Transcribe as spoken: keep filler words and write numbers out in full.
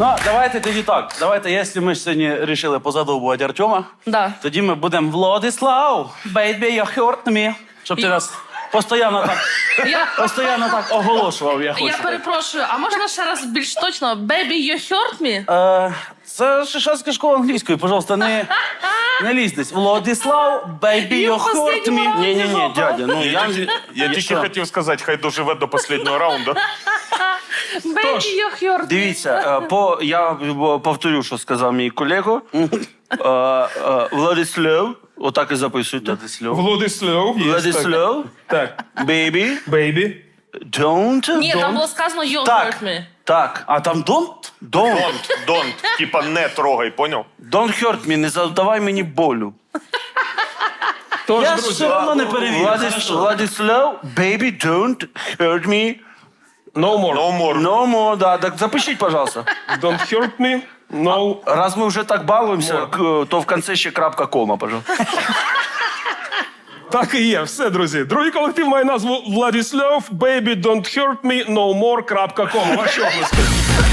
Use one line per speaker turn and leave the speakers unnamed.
Ну, давайте тоді так. Давайте, якщо ми сьогодні вирішили позадовбувати Артема,
Да.
тоді ми будемо Владислав, baby, you hurt me. Щоб ти нас постійно так,
Я,
постійно так оголошував, я хочу.
я перепрошую, а можна ще раз більш точно? Baby, you hurt me?
Е, це Шишацька школа англійської, пожалуйста, не, не лізь десь. Владислав, baby,
І
you
в
hurt
останньому
me.
раунді
Ні-ні-ні,
жопа.
дядя, ну я...
Я тільки
що?
хотів сказати, хай доживе до останнього раунду.
Baby, you hurt me.
Дивіться, е, по, я повторю, що сказав мій колега. Е, е, Владислав, отак і записуйте. Владислав.
Владислав. є,
Владислав,
Так.
baby,
Бейбі.
don't.
Ні,
don't.
там було сказано you
Так,
hurt me.
так. А там don't? Don't.
Don't, don't. Типа не трогай, поняв?
Don't hurt me, не завдавай мені болю.
Тож,
Я
друзі,
все одно не перевірю. Владислав, Владислав, baby, don't hurt me.
no more.
No more.
No more, да, так запишіть, пожалуйста.
Don't hurt me. No.
Раз ми вже так балуємося, к- то в кінці ще крапка кома, пожалуйста.
Так і є. Все, друзі. Другий колектив має назву Владислав. Baby, don't hurt me. No more. крапка ком. Ваші обласки.